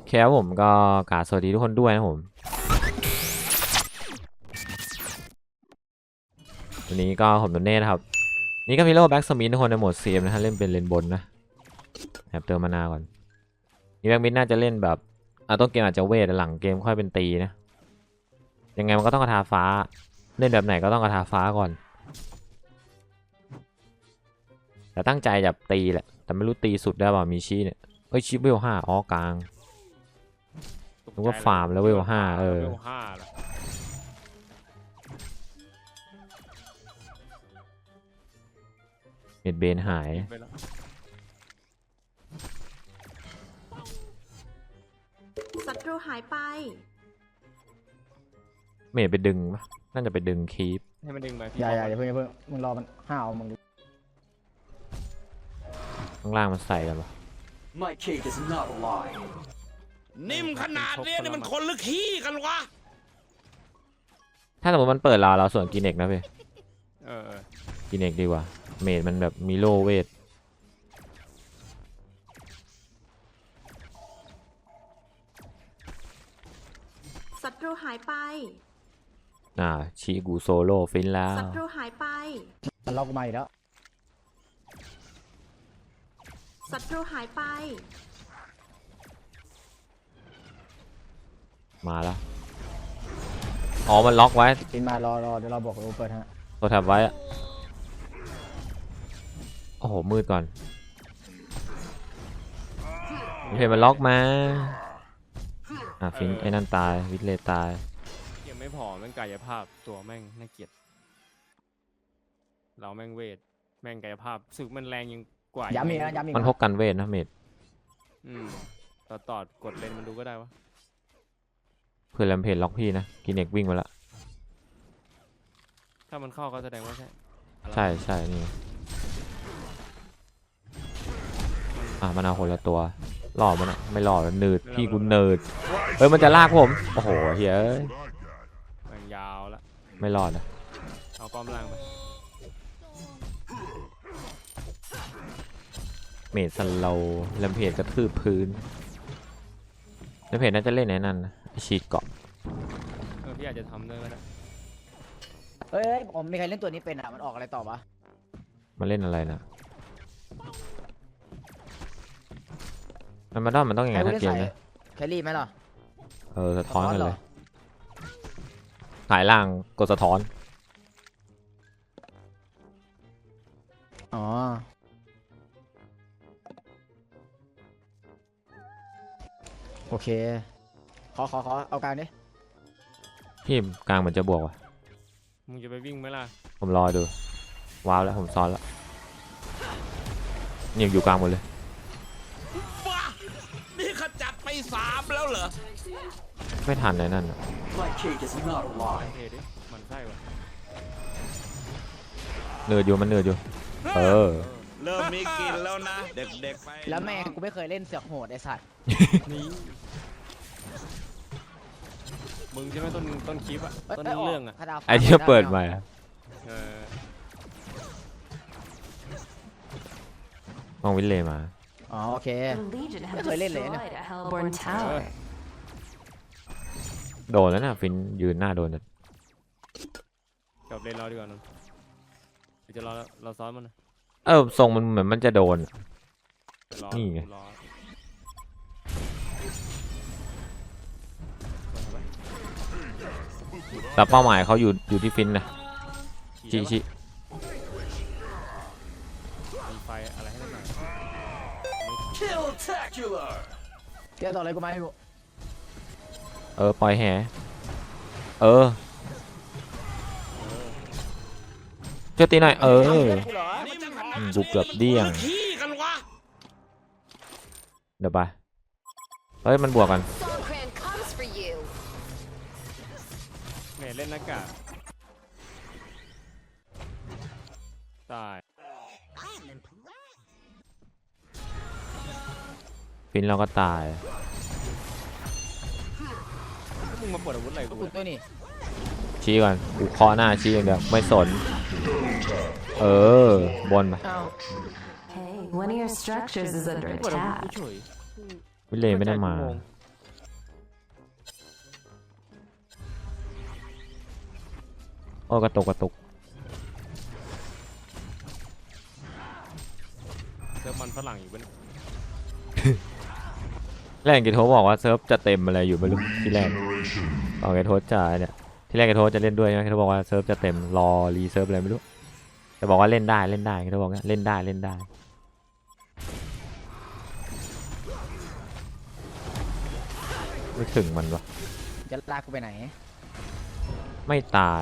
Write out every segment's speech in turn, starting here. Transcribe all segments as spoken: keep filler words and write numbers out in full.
แค่ผมก็กราบสวัสดีทุกคนด้วยนะผมวันนี้ก็ผมโดนเน่นะครับนี่ก็มีโล่แบ็กสมิธทุกคนในโหมดเซมนะฮะเล่นเป็นเลนบนนะแอบเติมมานาก่อนนี่แบ็กมิดน่าจะเล่นแบบอ่ะต้นเกมอาจจะเวทหลังเกมค่อยเป็นตีนะยังไงมันก็ต้องกระทาฟ้าเล่นแบบไหนก็ต้องกระทาฟ้าก่อนแต่ตั้งใจจะตีแหละแต่ไม่รู้ตีสุดได้ป่ามีชีเนี่ยเอ้ยชิปเวลห้าอ๋อกลางนึกว่าฟาร์มแล้วเวลห้าเออเม็ดเบนหายศัตรูหายไปเมดไปดึงปะน่าจะไปดึงคีปให้มันดึงไปอย่าอย่าอย่าเพิ่งอย่าเพิ่งมึงรอมันห้าวมึงข้างล่างมันใส่กันปะนิ่มขนาดนี้นี่มันคนหรือขี้กันวะถ้าสมมติมันเปิดเราเราส่วนกินเอกนะพี่เออกินเอกดีกว่าเมดมันแบบมีโลเวทศัตรูหายไปอ่าชิกูโซโล่ฟินแล้วศัตรูหายไปมันล็อกมาอีกแล้วศัตรูหายไปมาแล้วอ๋อมันล็อกไว้ฟินมารอรอเดี๋ยวเราบอกโอเปิดฮะตัวแถบไว้อะโอ้โหมืดก่อนเพจมันล็อกมาอ่ะฟินไอ้นั่นตายวิทเลตายยังไม่พอแม่งกายภาพตัวแม่งน่าเกลียดเราแม่งเวทแม่งกายภาพสึกมันแรงยังกว่าย้ำอีกนะย้ำอีกมันพกกันเวทนะเมดอืมต่อต่อกดเลนมันดูก็ได้วะเพื่อนแลมเพจล็อกพี่นะกินเอกวิ่งมาละถ้ามันเข้าก็แสดงว่าใช่ใช่ใช่นี่อ่ะมันเอาคนละตัวหล่อมันอะไม่หล่อหนืดพี่กูเนิร์ดเฮ้ยมันจะลากผมโอ้โหเฮ้ยมันยาวละไม่รอดนะเอาป้อมล่างไปเมดสโลแลมเพจกระทืบพื้นแลมเพจน่าจะเล่นไหนนั่นนะฉีดเกาะเออพี่อาจจะทำด้วยก็ได้เฮ้ยผมมีใครเล่นตัวนี้เป็นอ่ะมันออกอะไรต่อวะมาเล่นอะไรนะมันมาด้อมมันต้องยังไงถ้าเกมนะแครี่ไหมล่ะเออสะท้อนกันเลยถ่ายล่างกดสะท้อนอ๋อโอเคขอขอขอเอากลางดิพี่กลางเหมือนจะบวกว่ะมึงจะไปวิ่งไหมล่ะผมรอดูว้าวแล้วผมซ้อนแล้วนี่อยู่กลางหมดเลยนี่ขจัดไปสามแล้วเหรอไม่ทันเลยนั่นมันใช่วะเนือดอยู่มันเนือดอยู่เออเริ่มมีกินแล้วนะเด็กๆไปแล้วแม่กูไม่เคยเล่นเสือกโหดไอ้สัตว์นี่มึงใช่ไหมต้นต้นคลิปอะต้นเรื่องอะไอที่เปิดมามองวิลเล่มาอ๋อโอเคไม่เคยเล่นเลยนะโดนแล้วนะฟินยืนหน้าโดนนะจบเล่นรอดีกว่านะจะรอเราซ้อนมันเออทรงมันเหมือนมันจะโดนนี่ไงแต่เป้าหมายเขาอยู่อยู่ที่ฟินนะชิชิมีไฟอะไรให้หน่อยเดี๋ยวต่ออะไรกูมาให้กูเออปล่อยแห่เออเจ้าตีหน่อยเออกูเกือบเดี้ยงเดี๋ยวไปเฮ้ยมันบวกกันเมย์เล่นหน้ากากตายฟินเราก็ตายมึงมาปวดอาวุธอะไรกูตัวนี้ชี้ก่อนกูเคาะหน้าชี้อย่างเดียวไม่สนเออบนไปวิลเล่ไม่ได้มาโอ้กระตุกกระตุกเซิร์ฟมันฝรั่งอยู่เป็นแรกกีโทบอกว่าเซิร์ฟจะเต็มอะไรอยู่ไม่รู้ที่แรกตอนกีโทจะเนี่ยที่แรกกีโทจะเล่นด้วยนะกีโทบอกว่าเซิร์ฟจะเต็มรอรีเซิร์ฟอะไรไม่รู้แต่บอกว่าเล่นได้เล่นได้กีโทบอกว่าเล่นได้เล่นได้ไม่ถึงมันวะจะลากกูไปไหนไม่ตาย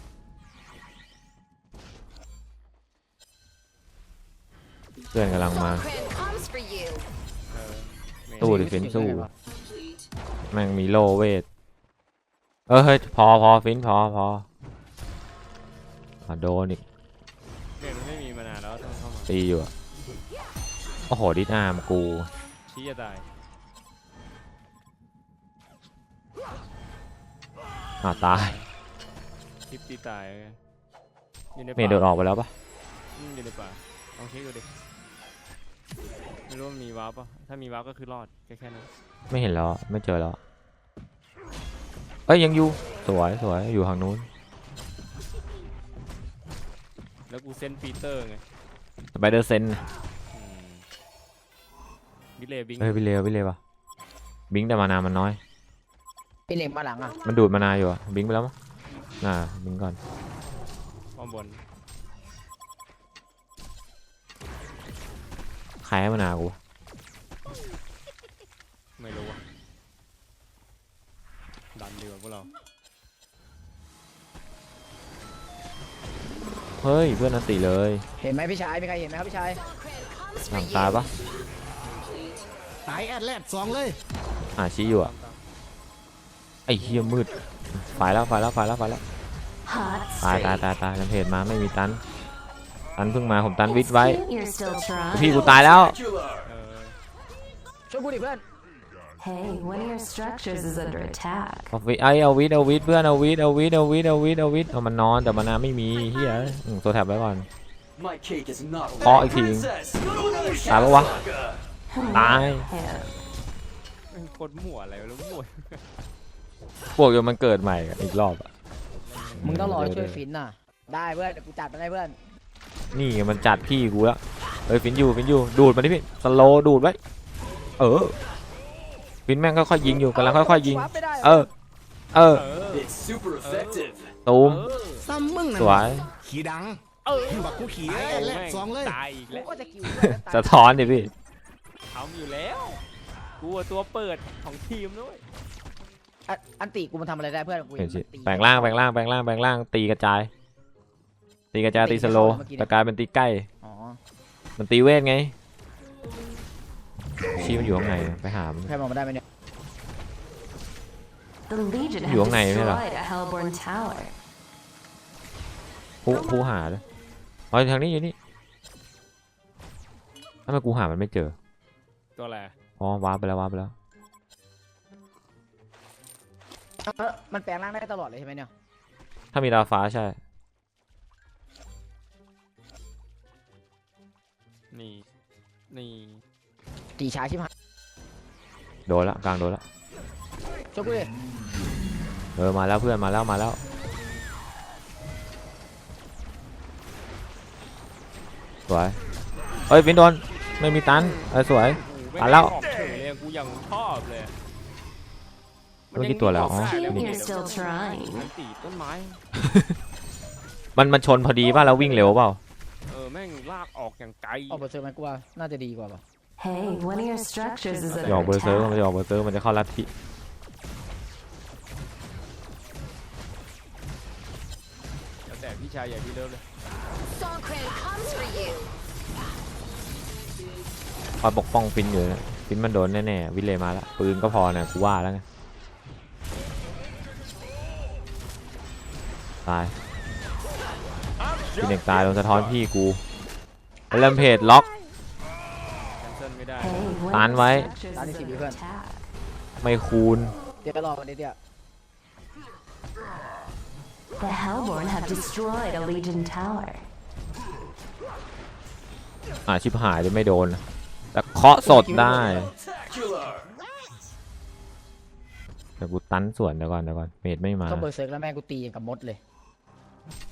เพื่อนกำลังมาเออไม่ตู้ดิฟินสู้แม่งมีโลเวทเออเฮ้ยพอพอฟินพอพออ่ะโดนอีกเกมมันไม่มีมานานแล้วต้องเข้ามาตีอยู่อะโอ้โหดิสอาร์มกูชี้จะตายอ่ะตายคลิปตีตายไงอยู่ในเมย์โดดออกไปแล้วปะอืมอยู่ในป่าลองเช็คดูดิไม่รู้ว่ามีวาร์ปป่ะถ้ามีวาร์ปก็คือรอดแค่แค่นั้นไม่เห็นแล้วอะไม่เจอแล้วอะเอ้ยยังอยู่สวยสวยอยู่ทางนู้นแล้วกูเซนปีเตอร์ไงสไปเดอร์เซนอืมวิเลย์บิงเฮ้ยวิเลววิเลวปะบิงแต่มานามันน้อยพี่เหล็กมาหลังอ่ะมันดูดมานาอยู่อะบิงไปแล้วมั้งน่าบิงก่อนป้อมบนใครให้มานากูวะไม่รู้อะดันดีกว่าพวกเราเฮ้ยเพื่อนอันติเลยเห็นไหมพี่ชายมีใครเห็นไหมครับพี่ชายหลังตายปะตายแอดแลดสองเลยอ่าชี้อยู่อะตามตามไอ้เหี้ยมืดไฟแล้วไฟแล้วไฟแล้วไฟแล้วตายตายตายตายลำเพจมาไม่มีตันตันเพิ่งมาผมตันวิทย์ไว้ You're still trying. พี่กูตายแล้วเออช่วยกูดิเพื่อน Hey, one of your structures is under attack. เอาวิทย์ไอเอาวิทย์เอาวิทย์เพื่อนเอาวิทย์เอาวิทย์เอาวิทย์เอาวิทย์เอาวิทย์เอามันนอนแต่มันนาไม่มีเฮียอืมตัวแถบไว้ก่อน My cake is not เคาะอีกที princess. ตายปะวะตาย Yeah. แม่งโคตรมั่วอะไรไม่รู้มั่วพวกเดี๋ยวมันเกิดใหม่อีกรอบอะมึงต้องรอช่วยฟินน่ะ ได้เพื่อนเดี๋ยวกูจัดมาให้เพื่อนนี่ไงมันจัดพี่กูแล้วเฮ้ยฟินอยู่ฟินอยู่ดูดมาดิพี่สโลว์ดูดไว้เออฟินแม่งค่อยๆยิงอยู่กำลังค่อยๆยิงวาร์ปไม่ได้เออเออเออ It's super effective. ตูมเออซ้ำมึงสน่ะวยขี่ดังเออบักกูขี่ตายแอดแลดแม่งสองเลยตายอีกกูแล้วก็จะคิวเพื่อนแล้วตายสะท้อนดิพี่ทำอยู่แล้วกูอะตัวเปิดของทีมด้วยอันอันติกูมันทำอะไรได้เพื่อนกูเห็นสิมันตีแปลงร่างแปลงร่างแปลงร่างแปลงร่างตีกระจาย ตีกระจายตีสโลว์แต่กลายเป็นตีใกล้อ๋อมันตีเวทไงชี้มันอยู่ข้างในไปหามันใครมองมาได้ไหมเนี่ย The Legion อยู่ have ข้างในไม่เหรอ destroyed a Hellborn tower. ผู้ผู้หาเลยอ๋อทางนี้อยู่นี่ทำไมกูหามันไม่เจอตัวอะไรอ๋อวาร์ปไปแล้ววาร์ปไปแล้วเออมันแปลงร่างได้ตลอดเลยใช่ไหมเนี่ยถ้ามีดาวฟ้าใช่นี่นี่ตีช้าชิบหายโดนละกลางโดนละช่วยกูดิเออมาแล้วเพื่อนมาแล้วมาแล้วสวยเอ้ยฟินโดนไม่มีตันเออสวยไม่ตายแล้วออกเฉยเลยกูยังชอบเลยเมื่อกี้ตัวแล้วอ๋อมันยัง Cute, มี you're still trying. มันตีต้นไม้มันมันชนพอดีป่ะแล้ววิ่งเร็วเปล่าเออแม่งลากออกอย่างไกลออกไปเจอมันกูว่าน่าจะดีกว่าป่ะ Hey, one of your structures is จะออก under เบอร์เซอร์มัน attack. จะออกเบอร์เซอร์มันจะเข้าลัทธิแล้วแต่พี่ชายใหญ่พี่เลิฟเลย Songkran comes for you. คอยปกป้องฟินอยู่นะฟินมันโดนแน่ๆวิเลมาแล้วปืนก็พอนะกูว่าแล้วไงตายพี่เด็กตายโดนสะท้อนพี่กูเริ่มเพจล็อกแคนเซิลไม่ได้ Hey, one Tán of vậy. your structures Tán đi is tìm under Vivian. attack. ไม่คูณเดี๋ยวรอมันเดี๋ยว The Hellborn have destroyed a Legion tower. อ่าชิบหายจะไม่โดนแต่เคาะสดได้ Spectacular. แต่กูตันส่วนเดี๋ยวก่อนเดี๋ยวก่อนเมดไม่มาต้องเบอร์เซิร์กแล้วแม่งกูตีอย่างกับมดเลย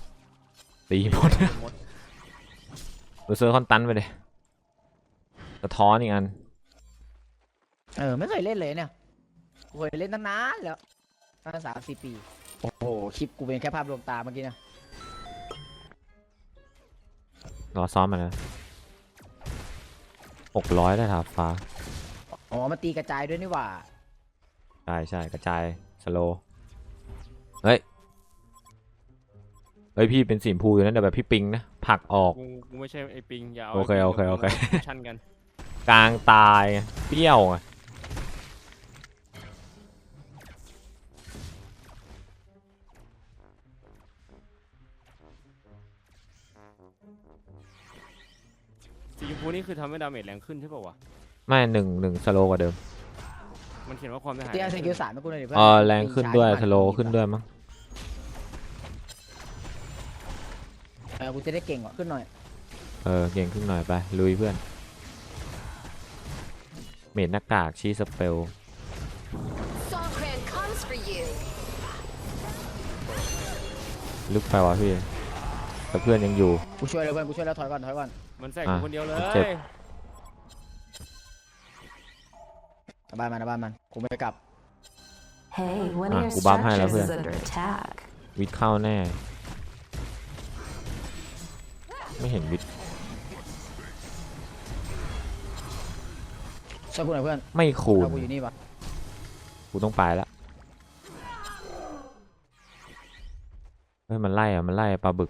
ตีหมดหมดดูเซอร์คอนตันไปเลยสะท้อนอีกอันเออไม่เคยเล่นเลยเนี่ยกูเคยเล่นตั้งนานแล้วตั้งสามสี่ปีโอ้โหคลิปกูเป็นแค่ภาพลวงตาเมื่อกี้นะรอซ้อมมานะหกร้อยได้ถาบฟ้าอ๋อมันตีกระจายด้วยนี่หว่าใช่ใช่กระจายสโลเฮ้ยเฮ้ยพี่เป็นสีชมพูอยู่นั่นแต่แบบพี่ปิงนะผลักออกกูกูไม่ใช่ไอ้ปิงอย่าเอาโอเคไปิงโอเคกับโอเคกูมาชั่นกันกลางตายไงเปรี้ยวไงสีชมพูนี่คือทำให้ดาเมจแรงขึ้นใช่ป่าวะไม่หนึ่งหนึ่งสโลกว่าเดิมมันเขียนว่าความเสียหายเตียแรงสขึ้นกิลสามให้กูหน่อยดิเพื่อนเออแรงขึ้นด้วยสโลขึ้นด้วยมั้งเออกูจะได้เก่งกว่าขึ้นหน่อยเออเก่งขึ้นหน่อยไปลุยเพื่อนเมดหน้ากากชีสเปล Songkran comes for you. ลึกไปวะพี่แต่เพื่อนยังอยู่กูช่วยแล้วเพื่อนกูช่วยแล้วถอยก่อนถอยก่อนมันแทรกอ่ะกูคนเดียวเลยเจ็บกลับบ้านมันกลับบ้านมันกูไม่กลับ Hey, one Ah, of your กูบัฟให้แล้ว structures เพื่อน is under attack. วิทย์เข้าแน่ ไม่เห็นวิทย์ช่วยกูหน่อยเพื่อนไม่คูณเอากูอยู่นี่ปะกูต้องไปละเฮ้ยมันไล่อะมันไล่ปลาบึก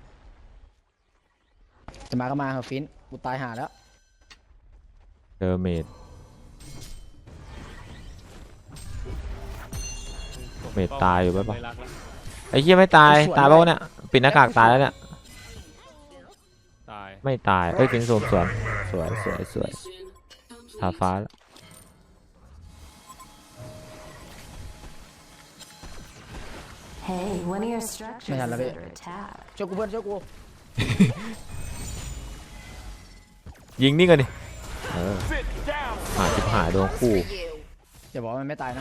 จะมาก็มาเหอะฟินกูตายหาแล้วเจอเมด เมดตายอยู่ปะปะไม่รักแล้วไอ้เหี้ยไม่ตายตายเปล่าวะเนี่ยปิดหน้ากากตายแล้วเนี่ยตายไม่ตายเอ้ยเป็นสวมสวนสวยสวยสวยทาฟ้าแล้ว Hey, one of your structures is Mày làm là bị- under attack. ช่วยกูเพื่อนช่วยกูยิงนี่กันดิเออหาจิบหายโดนคู่อย่าบอกว่ามันไม่ตายนะ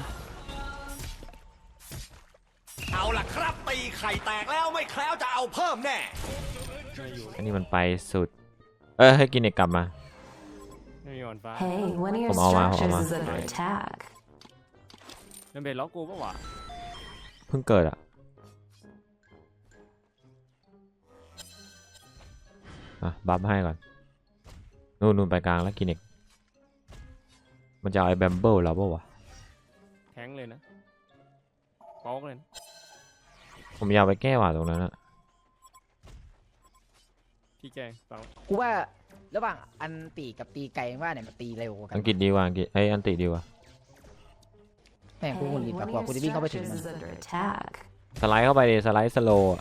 เอาล่ะครับตีไข่แตกแล้วไม่แคล้วจะเอาเพิ่มแน่ไม่อยู่อันนี้มันไปสุด เออให้กินเอกกลับมาไม่มีวันฟ้า Hey, one of your ผมเอามาผมเอา structures มา is under attack. ดาเมจล็อกกูปะวะเพิ่งเกิดอ่ะอ่ะบัฟให้ก่อนนู่นนู่นไปกลางแล้วกินเอกมันจะเอาไอ้แบมเบิลเราปะวะแทงเลยนะป๊อกเลยนะผมอยากไปแก้หว่าตรงนั้นอะพี่แกงเปล่ากูว่าระหว่างอันตีกับตีไกลว่าเนี่ยมันตีเร็วกว่ากันอังกฤษดีกว่าอังกฤษไอ้ยอันติดีกว่าแม่งกู Hey, หุ่นหลีด one มาก of กว่า your กูจะวิ่งเข้าไปถึง structures มัน is under attack. สไลด์เข้าไปดิสไลด์สโลว์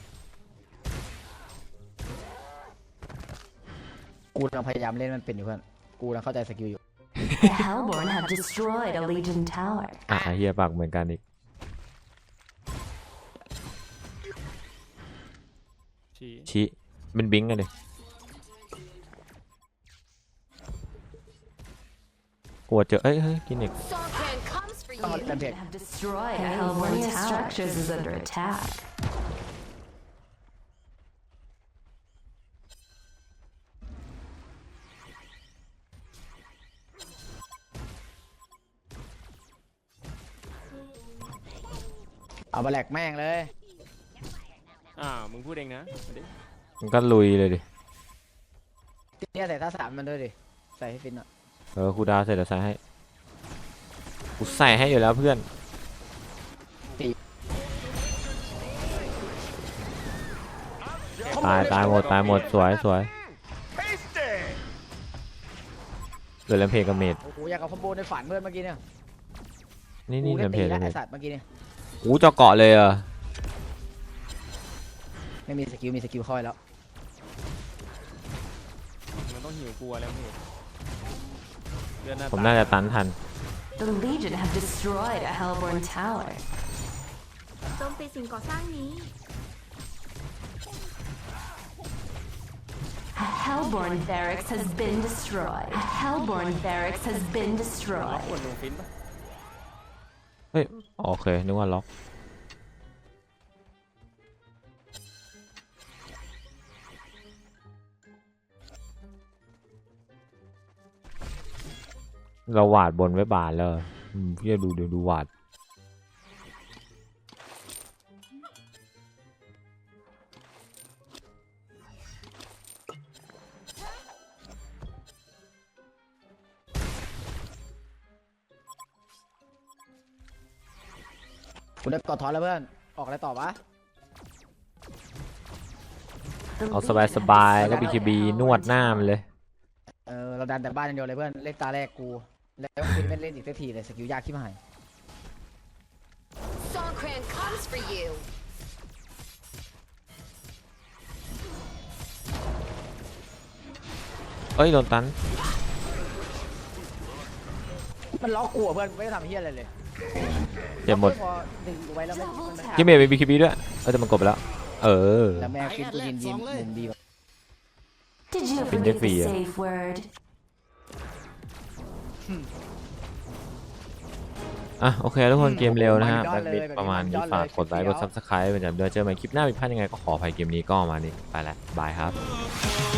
กูกำลังพยายามเล่นมันเป็นอยู่เพื่อนกูกำลังเข้าใจสกิลอยู่ The Hellborn have destroyed a Legion tower. อ่ะเฮียปากเหมือนกันอีกชี้ชิเป็นบิงกันดิกลัวเจอเอ้ยเฮ้ยกินเอก Songkran comes for Oh, you. Olympic. Have destroyed a Hellborn tower. One of your structures is under attack. เอามาแหลกแม่งเลยอ่ามึงพูดเองนะมาดิมันก็ลุยเลยดิเนี่ยใส่ท่าสามมันด้วยดิใส่ให้ฟินอ่ะเออครูดาวเสร็จแล้วใส่ให้กูใส่ให้อยู่แล้วเพื่อนตายตายหมดตายหมดสวยสวยเหลือแลมเพจกับเมดโอ้โหอยากเอาคอมโบในฝันเพื่อนเมื่อกี้เนี่ยนี่กูนี่แลได้มเพตีจแลแล้วมเพไอจสัตว์เมื่อกี้เนี่ยอู้เจาะเกาะเลยเหรอ่ะไม่มีสกิลมีสกิลค่อยแล้วมันต้องหิวกลัวแล้วพี่เลือดหน้าผมตาน่าจะตันทัน The Legion have destroyed a Hellborn tower. โจมตีสิ่งก่อสร้างนี้ A Hellborn barracks has been destroyed. A Hellborn barracks has been ล็อก destroyed. คนลงฟินปะเฮ้ยโอเคนึกว่าล็อกเราหวาดบนไว้บานแล้วอืมพี่จะดูเดี๋ยวดูหวาดกูได้กอดถอนแล้วเพื่อนออกอะไรต่อวะ The เอาสบายส leader บาย has แล้วบีคีบี slain นวดหน้ามันเลยเออเราดันแต่บ้านอย่างเดียวเลยเพื่อนเล่นตาแรกกูแล้วกูไม่เล่นอีกสักทีเลยสกิลยากชิบหาย Songkran comes for you. เอ้ยโดนตันมันล็อกกูอะเพื่อนไม่ได้ทำเฮียอะไรเลยเจ็บหมดพอดึงกูไว้แล้วไม่มันไม่กิมเมย์เป็นบีคีบีด้วยเออแต่มันกดไปแล้ว เออแล้วแม่คิดกูยินยินมุมดีกว่า Did you Been forget the defeated. safe word? อ่ะโอเคทุกคนเกมเร็วนะฮะมันยอแบ็ดคเลยบิดแบบประมาณนี้นี้มันยอดฝากเลยกดไลค์กดคลิปเดียวซับสไครต์เป็นจำเดือนเจอกันใหม่คลิปหน้ามีพลาดยังไงก็ขออภัยเกมนี้ก็ประมาณนี้ไปแล้วบายครับ